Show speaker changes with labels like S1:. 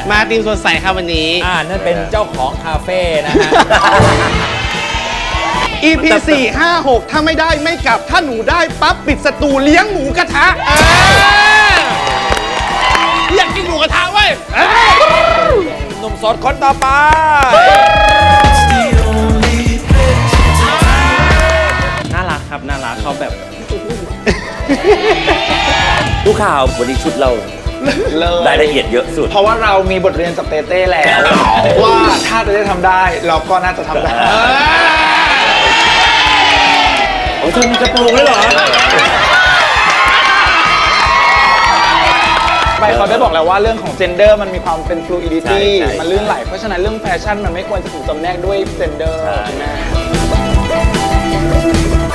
S1: มาทีมสดใสครับวันนี้
S2: นั่นเป็นเจ้าของคาเฟ่นะฮะ
S3: EP 4 5 6ถ้าไม่ได้ไม่กลับถ้าหนูได้ปั๊บปิดสตูเลี้ยงหมูกระทะ
S1: อยากกินหมูกระทะเว้ย
S2: หนุ่มโสดคนต่อไป
S1: น่ารักครับน่ารักเขาแบบ
S4: ดูข่าววันนี้ชุดเรารายละเอียดเยอะสุด
S3: เพราะว่าเรามีบทเรียนจากเต้เต้แล้ว ว่าถ้าเต้เต้ทำได้เราก็น่าจะทำได้
S4: โอ้เธอมีกระโปรงด้วยเหรอ
S3: ไปเขาได้บอกแล้วว่าเรื่องของ gender มันมีความเป็น fluidity
S4: ใช่
S3: มันลื่นไหล เพราะฉะนั้นเรื่องแฟชั่นมันไม่ควรจะถูกจำแนกด้วย gender ใช่ไหม